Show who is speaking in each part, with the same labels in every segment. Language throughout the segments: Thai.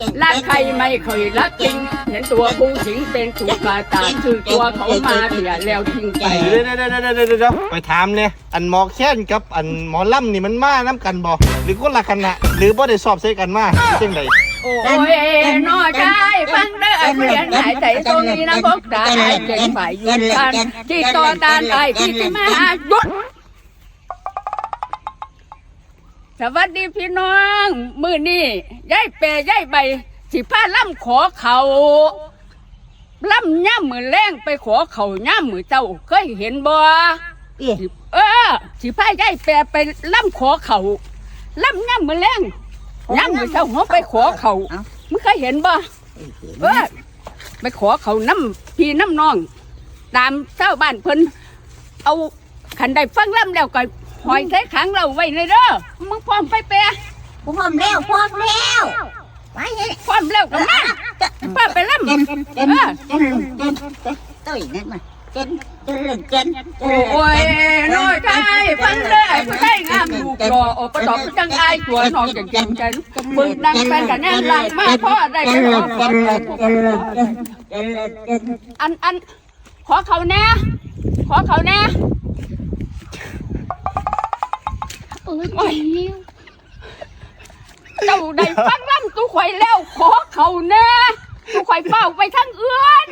Speaker 1: รักใครไม่เคยรักจริงเห็นตัวผู้หญิงเป็นถูกกาตาชื่อตัวเขามาเสียแล้วทิ้งไป
Speaker 2: เดี๋ยวไปถามเนี่ยอันหมอแค้นกับอันหมอลำนี่มันมาน้ำกันบ่หรือคนละคณะหรือบ่ได้สอบใส่กันมาจังได
Speaker 1: โอ้ยน้อยชายฟังเด้อเรียนหายใจตรงนี้นะพวกตาหายใจฝ่ายยืนกันที่ต่อตาไอ้ที่มาหยุดสวัสดีพี่น้องมื้อนี้ยายเปยายใบสิพาล่ำขอเขาล่ำย่ำมือแรงไปขอเขาย่ำมือเจ้าเคยเห็นบ่สิพายายเปยไปล่ำขอเขาล่ำย่ำมือแรงย่ำมือเจ้าเขาไปขอเขามึงเคยเห็นบ่ไปขอเขาน้ำพี่น้ำน้องตามเจ้าบ้านเพิ่นเอาขันได้ฟังล่ำแล้วก็หอยใส่ขังเราไว้เลยเด้อมึงพร้อมไปเปะ
Speaker 3: พร้อมแล้วไป
Speaker 1: พร้อมแล้วกันนะป้าไปล่ำ
Speaker 3: ตุ้ยนั่นมา
Speaker 1: โอ้ยน้อยใจฟังเลยผู้ใจงามลูกรออประตอบจังไอตัวน้องจังจังใจมึงนั่งไปกันแน่นหลังมาพ่อได้กันอันขอเขาแน่โอ้ยเจ้าได้ฟังล่ำตู้ข่อยแล้วขอเขาแน่ตู้ข่อยเฝ้าไปทั้งเอื้อน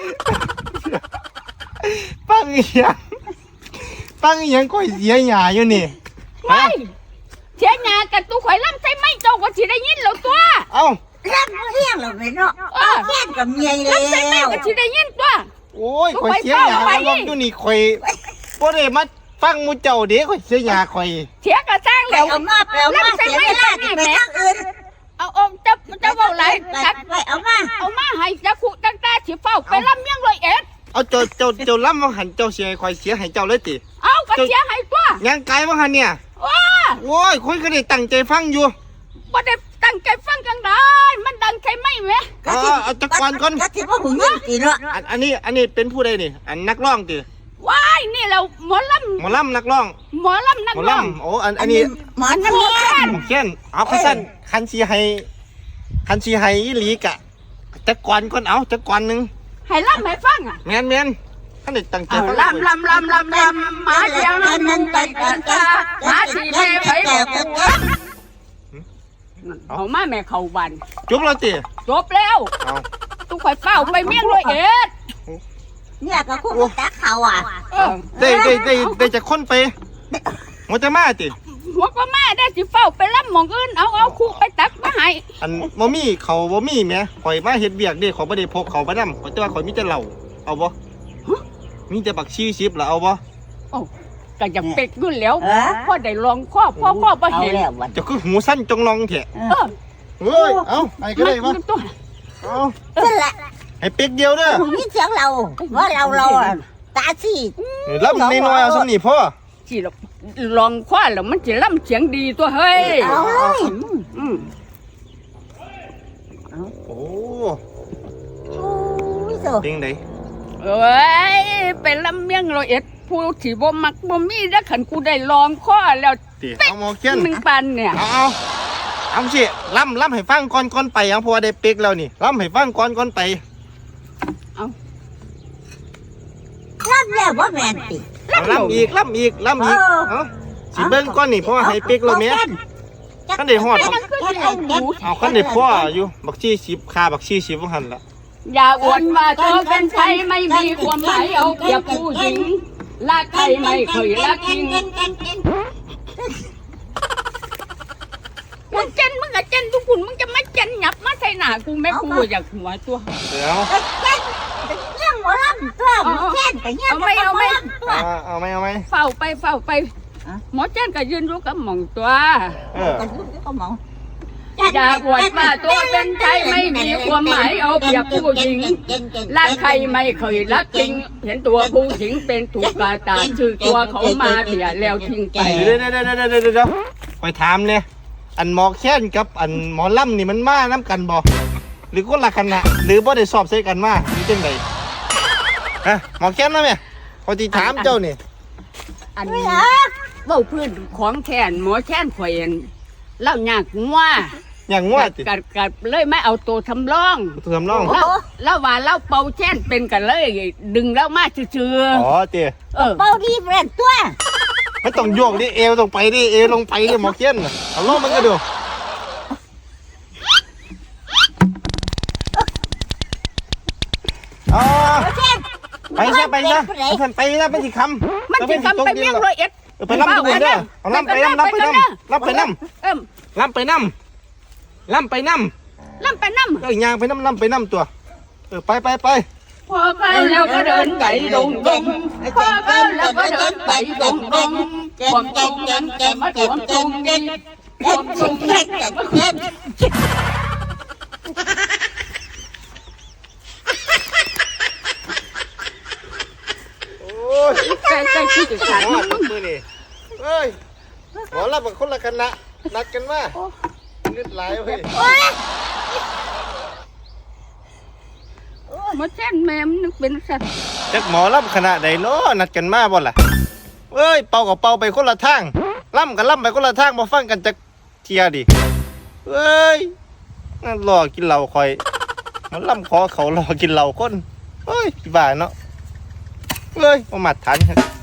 Speaker 2: ปังอีหยังก้อยเสียหยาอยู่นี่
Speaker 1: ไม่เสียหยากับตู้ข่อยล่ำใช่ไหมเจ้าก็สิได้ยินแล้วตัว
Speaker 2: เอ้า
Speaker 3: ล่ำเลี้ยงเราไปเนาะแค่กับเมียแล้ว
Speaker 1: ล่ำใช่ไหมก็สิได้ยินตัว
Speaker 2: โอ้ยข่อยเสียหยาแล้วอยู่นี่ข่อยบ่ได้มาฟังมูเจ้าเด็กข่อยเสียหยาข่อย
Speaker 1: เสียกระสร้างแล้ว
Speaker 3: เอามาเสียเวลาไปทางอื่น
Speaker 1: เอาจะเว้าไรจัด
Speaker 3: ไปเอา
Speaker 1: มาให้จะขู่ตั้งแต่สิเฝ้าไปล่ำยังเลยเอ็ด
Speaker 2: เอาเจ้าล่ำมาหันเจ้าเสียข่อยเสียให้เจ้าเลยติ
Speaker 1: เอาก็เสียให้ตัว
Speaker 2: ยังไกลมาหันเนี่ยโอ้ยคนก็ได้ตั้งใจฟังอยู่
Speaker 1: บ่ได้ตั้งใจฟังกันได้มันดังใช่ไหมแม่
Speaker 2: เอาจักก่อน
Speaker 3: ก็สิบ่หูยินติเนาะ
Speaker 2: อันนี้เป็นผู้ใดนี่อันนักร้องติ
Speaker 1: ว้ายนี่เราหมอล
Speaker 2: ำนักร้อง
Speaker 1: นักร้อง
Speaker 2: โอ้อันนี้
Speaker 3: หมอ
Speaker 2: แค้นเอาคันสีให้อีหลีกะจักก่อนก่อนเอาจักก่อนนึง
Speaker 1: ให้ล่ำให้ฟังอ่ะ
Speaker 2: แมนท่านได้ตั้งใจฟัง
Speaker 1: ล่ำมาเดียวนั้นไปกันตามาสีแม่ไปบอกกูเอามาแม่เข้าบ้าน
Speaker 2: จบแล้วติ
Speaker 1: จบแล้วตู้ข่อยเฝ้าไปเมี่ยงเลยเอ็ด
Speaker 3: เนี่ยก็คู่ตักเขาอ่ะ
Speaker 2: ได้จะค้นไปหัวจะมาติ
Speaker 1: หัวก็มาได้สิเฝ้าไปล่ำหมองอื่นเอาคู่ไปตักมาให้
Speaker 2: อันบ่มีเขาบ่มีแม่ข่อยมาเฮ็ดเบียกเด้ข่อยบ่ได้พกเขาไปนำข่อยแต่ว่าข่อยมีแต่เหล้าเอาบ่มีแต่บักชีชิบล่ะเอาบ่
Speaker 1: ก็จะเป็ดยุ่นแล้วพ่อได้ลองพ่อบ่เห็น
Speaker 2: จะคือหูสั้นจงลองแท้เฮ้ยเอาไอ้ก็ได้บ่เอา
Speaker 3: นั่นแหละ
Speaker 2: ให้เป็กเดียวเด้อ
Speaker 3: มีเสียงเราว่าเราตาสี
Speaker 2: ล่ำน้อยๆเอาซั่นนี่พ่อ
Speaker 1: สิลองคว้าแล้วมันสิล่ำเสียงดีตัวเฮ้ย
Speaker 3: เอาเลย
Speaker 2: โอ้
Speaker 3: จริ
Speaker 2: งได
Speaker 1: เอ้ยเป็นลำเมียงเราเอ็ดผู้ที่บ่มักบ่มีได้ขันกูได้ลองข้อแล้ว
Speaker 2: เอาหมอเขียน
Speaker 1: 1 ปันเนี่ย
Speaker 2: เอาสิล่ำให้ฟังก่อนไปเอาเพราะว่าได้เป็กแล้วนี่ล่ำให้ฟังก่อนไป
Speaker 1: เอา
Speaker 3: ล่ำแล้วบ่แม่นติ
Speaker 2: ล่ำอีกเอาสิเบิ่งก่อนนี่เพราะว่าให้เป็กแล้วแม่คันได้ฮอดเอาคันได้พ่ออยู่บักชี10ค่าบักชี10บ่หั่นล่ะ
Speaker 1: อย่าอวดว่าเธอเป็นใครไม่มีความหมายเอาเปรียบผู้หญิงรักใครไม่เคยรักจริงมึงเจนมึงกับเจนทุกคนมึงจะไม่เจนหยับมาใส่หน้ากูแม่กูอยากหัวตัว
Speaker 2: เดี๋ยว
Speaker 3: เรื่องหมอลำตัวหมอเจนแต่เนี่ย
Speaker 1: เอา
Speaker 2: ไหม
Speaker 1: เฝ้าไปหมอเจนก็ยืนรู้กับหม่องตัว
Speaker 3: ก็มอง
Speaker 1: อย่าอวดว่าตัวเป็นใครไม่มีความหมายเอาเปรียบผู้หญิงรักใครไม่เคยรักจริงเห็นตัวผู้หญิงเป็นถูกกาตาชื่อตัวเขามาเสียแล้วทิ้งไป
Speaker 2: เดี๋ยวไปถามเนี่ยอันหมอแค้นกับอันหมอลำนี่มันมาน้ำกันบ่หรือคนละคณะหรือบ่ได้สอบใส่กันมาหรือจังไดฮะหมอแค้นนะแม่พอที่ถามเจ้านี่
Speaker 1: อันนี้เบ้าพื้นของแค้นหมอแค้นข่อยเล่ายากงัว
Speaker 2: อย่างงวดติ
Speaker 1: กัดเลยไม่เอาตัวทำร่อง
Speaker 2: ตัวทำร่อง
Speaker 1: แล้วว่าเราเป่าแช่นเป็นกันเลย ดึงแล้วมาซื่อ
Speaker 2: อ๋อเจ๊
Speaker 1: ๆเออ
Speaker 3: เบาดีเปลี่ยนตัว
Speaker 2: ไม่ต้องโยกดิเอวต้องไปดิเอวลงไปดิหมอเคียนน่ะเอาลองมันก็ดูอ๋อ
Speaker 3: หมอแค้น
Speaker 2: ไปซะไปซะไปซะไปสิคำ
Speaker 1: มันจะทำไปเมี่ยงร้อยเอ็ด
Speaker 2: ไปล่ำทุกคนเด้อเอาล่ำไปล่ำไปล่ำล่ำไปล่
Speaker 1: เอิ่ม
Speaker 2: ำล่ำไปล่ำล่ำไปล่ำ
Speaker 1: ล่ำไปน้ำ
Speaker 2: เอ้ยยางไปน้ำล่ำไปน้ำตัวไปไปไป
Speaker 1: พอไปแล้วก็เดินไปดงดงพอไปแล้วก็เดินไปดงดงความตรงนั้นแต่มาถวงตรงนี้ความตรงนั้นแต่มาเพิ่ม
Speaker 2: โอ้ย
Speaker 1: ใจที่จะขาด
Speaker 2: หมอ
Speaker 1: มึง
Speaker 2: มือนี่เอ้ยหมอรับกับคนละคณะนัดกันมาเลือดไหลเว้ย
Speaker 1: มาแจ้นแม่มนึกเป็นสัตว์
Speaker 2: จักหมอรับคณะใดเนาะนัดกันมาบ่ล่ะเอ้ยเป่ากับเป่าไปคนละทางล่ำกับล่ำไปคนละทางมาฟังกันจักเทียดิเอ้ยนั่นรอกินเหล้าคอยมันล่ำคอเขารอกินเหล้าคนเอ้ยบ้าเนาะเอ้ยมาหมัดฐาน